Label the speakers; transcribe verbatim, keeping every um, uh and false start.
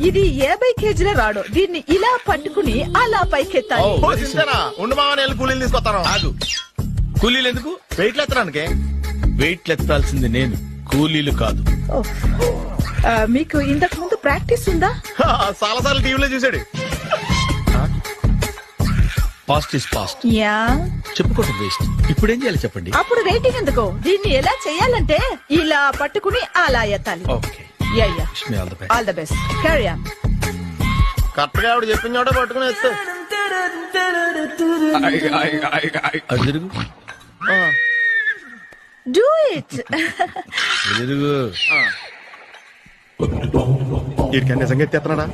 Speaker 1: ఇది యాభై కేజీల రాడు. దీన్ని ఇలా పట్టుకుని అలా పైకెత్తాలి.
Speaker 2: ఉండు మామ, నేను కూలీలు తీసుకొస్తాను.
Speaker 3: ఆగు, కూలీలు ఎందుకు?
Speaker 2: వెయిట్లు ఎత్తడానికి.
Speaker 3: వెయిట్ ఎత్తాల్సింది నేను, కూలీలు కాదు.
Speaker 1: ఓహ్. ఆ, మీకు ఇంతకు ముందు ప్రాక్టీస్ ఉందా?
Speaker 2: చాలా సార్లు టీవీలో చూసాడు.
Speaker 3: Past is past,
Speaker 1: ya.
Speaker 3: చెప్పుకోవటం వేస్ట్. ఇప్పుడు ఏం చేయాలి చెప్పండి.
Speaker 1: అప్పుడు వెయిటింగ్ ఎందుకు? దీన్ని ఎలా చేయాలంటే ఇలా పట్టుకుని అలా ఎత్తాలి.
Speaker 3: Okay,
Speaker 1: ya ya.
Speaker 3: Wish me all the best.
Speaker 1: All the best. Carry on.
Speaker 2: Correct గా ఆవిడ చెప్పిన చోట పట్టుకుని ఎత్తు.
Speaker 3: అటు తిరుగు,
Speaker 1: డూ ఇట్.
Speaker 3: ఇటు తిరుగు.
Speaker 2: వీడికి నిజంగా ఎత్తేస్తున్నాడా?